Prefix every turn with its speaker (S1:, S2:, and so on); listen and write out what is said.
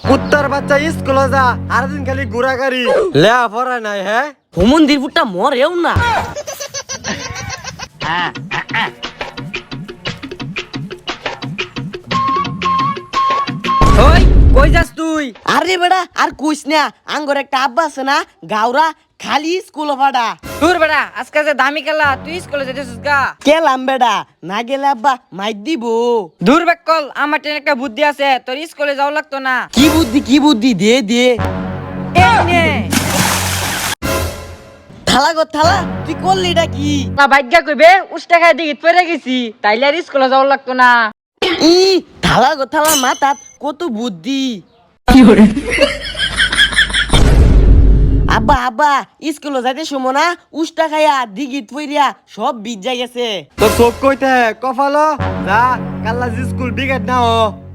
S1: কুত্তার বাচ্চা স্কুলে যা আর দিন খালি ঘোরাঘুরি লেয়া পড়া নাই হ্যাঁ
S2: হুমন্দির ফুটটা মরেও না।
S3: ওই কই যাস তুই?
S2: আরে বেড়া আর কইস না, আঙ্গর একটা আব্বা আছে না গাওরা, খালি স্কুল ভাড়া।
S3: দূর বেড়া, আজকে যে দামি খেলা, তুই স্কুলে যেতেছিস গা?
S2: গেলাম বেড়া, না গেলে আব্বা মাইর দিব।
S3: দূর বেকল, আমার টেন একটা বুদ্ধি আছে, তোর স্কুলে যাওয়া লাগতো না।
S2: কি বুদ্ধি দে দে।
S3: এই নে।
S2: থালা গো থালা, তুই করলি এটা কি?
S3: না ভাগ্যা কইবে উষ্টা খাই দিগিত পড়ে গেছি, তাইলে আর স্কুলে যাওয়া লাগতো না।
S2: ই থালা গো থালা, মাথাত কত বুদ্ধি। আব্বা আব্বা স্কুলে যাইতে সময় না উষ্টা খাইয়া দিগিত পইরিয়া সব ভিজা গেছে।
S1: তোর চোখ কইতে কপালো যা কাল্লা স্কুল বিগেট নাও